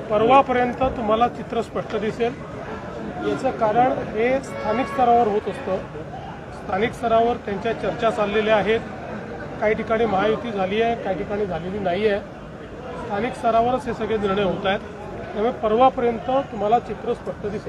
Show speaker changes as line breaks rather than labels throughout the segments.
परवापर्यंत तुम्हाला चित्र स्पष्ट दिसेल. याचं कारण हे स्थानिक स्तरावर होत असतं. स्थानिक स्तरावर त्यांच्या चर्चा चाललेल्या आहेत. काही ठिकाणी महायुती झाली आहे, काही ठिकाणी झालेली नाही आहे. स्थानिक स्तरावरच हे सगळे निर्णय होत आहेत. त्यामुळे परवापर्यंत तुम्हाला चित्र स्पष्ट दिसेल.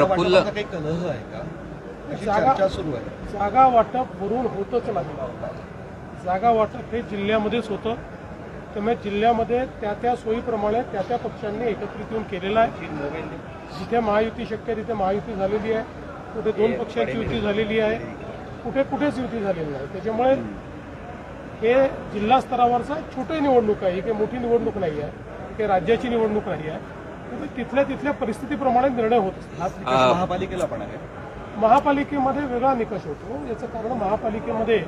जागा वाटप भरून होतच नाही. जागा वाटप हे जिल्ह्यामध्येच होतं. त्यामुळे जिल्ह्यामध्ये त्या सोयीप्रमाणे त्या पक्षांनी एकत्रित येऊन केलेलं आहे. जिथे महायुती शक्य तिथे महायुती झालेली आहे, कुठे दोन पक्षांची युती झालेली आहे, कुठेच युती झालेली नाही. त्याच्यामुळे हे जिल्हा स्तरावरचा छोटी निवडणूक आहे. ही काही मोठी निवडणूक नाही आहे, काही राज्याची निवडणूक नाही आहे. तिथल्या परिस्थितीप्रमाणे निर्णय होत असतात.
महापालिकेला पण आहे.
महापालिकेमध्ये वेगळा निकष होतो. याचं कारण महापालिकेमध्ये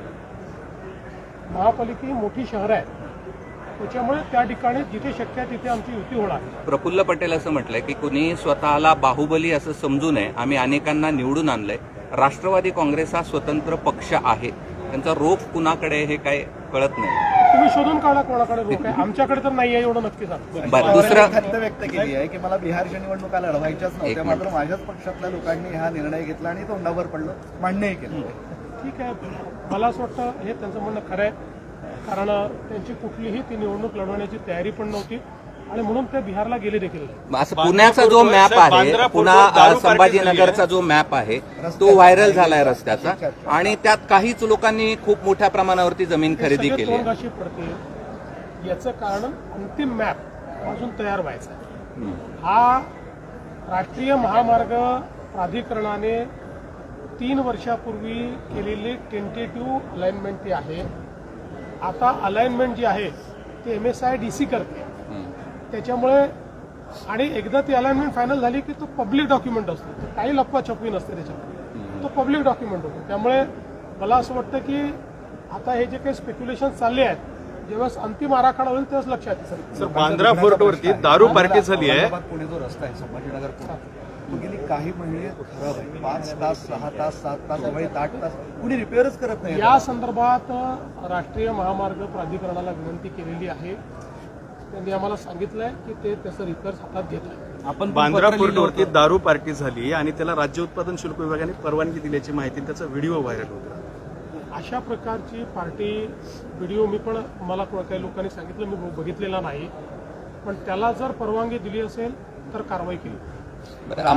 ही मोठी शहर आहे. त्याच्यामुळे त्या ठिकाणी जिथे शक्य आहे तिथे आमची युती होणार.
प्रफुल्ल पटेल असं म्हटलंय की कुणी स्वतःला बाहुबली असं समजू नये. आम्ही अनेकांना निवडून आणलंय. राष्ट्रवादी काँग्रेस हा स्वतंत्र पक्ष आहे. त्यांचा रोख कुणाकडे हे काय कळत नाही.
तुम्ही शोधून काढा कोणाकडे रोख आहे. आमच्याकडे तर नाही आहे एवढं नक्की सांग.
दुसरं खंत व्यक्त केली आहे की मला बिहारच्या निवडणुका लढवायच्याच नव्हत्या, मात्र माझ्याच पक्षातल्या लोकांनी हा निर्णय घेतला आणि तोंडावर पडलं, मान्यही केलं.
ठीक आहे, मला असं वाटतं हे त्यांचं म्हणणं खरं आहे. कारण त्यांची कुठलीही ती निवडणूक लढवण्याची तयारी पण नव्हती आणि म्हणून ते बिहारला गेले देखील.
असं पुण्याचा जो मॅप आहे, पुन्हा संभाजीनगरचा जो मॅप आहे तो व्हायरल झालाय रस्त्याचा, आणि त्यात काहीच लोकांनी खूप मोठ्या प्रमाणावरती जमीन खरेदी केली आहे.
अशी पडते. याचं कारण अंतिम मॅप अजून तयार व्हायचा आहे. हा राष्ट्रीय महामार्ग प्राधिकरणाने 3 वर्षापूर्वी केलेली टेंटेटिव्ह अलाइनमेंट ती आहे. आता अलाइनमेंट जी आहे ती MSIDC करते. त्याच्यामुळे आणि एकदा ती अलाइनमेंट फायनल झाली की तो पब्लिक डॉक्युमेंट असतो. काही लपवाछपवी नसते त्याच्यामध्ये, तो पब्लिक डॉक्युमेंट होतो. त्यामुळे मला असं वाटतं की आता हे जे काही स्पेक्युलेशन चालले आहेत, जेव्हा अंतिम आराखडा होईल तेव्हाच लक्षात येईल.
सर, बांद्रा फोर्टवरती दारू पार्टी झाली आहे.
पुणे जो रस्ता आहे संभाजीनगर पुणे, गेली काही महिने खराब आहे. 5 तास 6 तास 7 तास 8 तास कुणी रिपेअरच करत नाही.
या संदर्भात राष्ट्रीय महामार्ग प्राधिकरणाला विनंती केलेली आहे. त्यांनी आम्हाला सांगितलंय की ते त्याचं रिपेअर हातात घेत आहे.
आपण बांद्रा फोर्टवरती दारू पार्टी झाली आणि त्याला राज्य उत्पादन शुल्क विभागाने परवानगी दिल्याची माहिती, त्याचा व्हिडिओ व्हायरल होता.
अशा प्रकारची पार्टी व्हिडिओ मी पण मला काही लोकांनी सांगितलं, मी बघितलेला नाही. पण त्याला जर परवानगी दिली असेल तर कारवाई केली.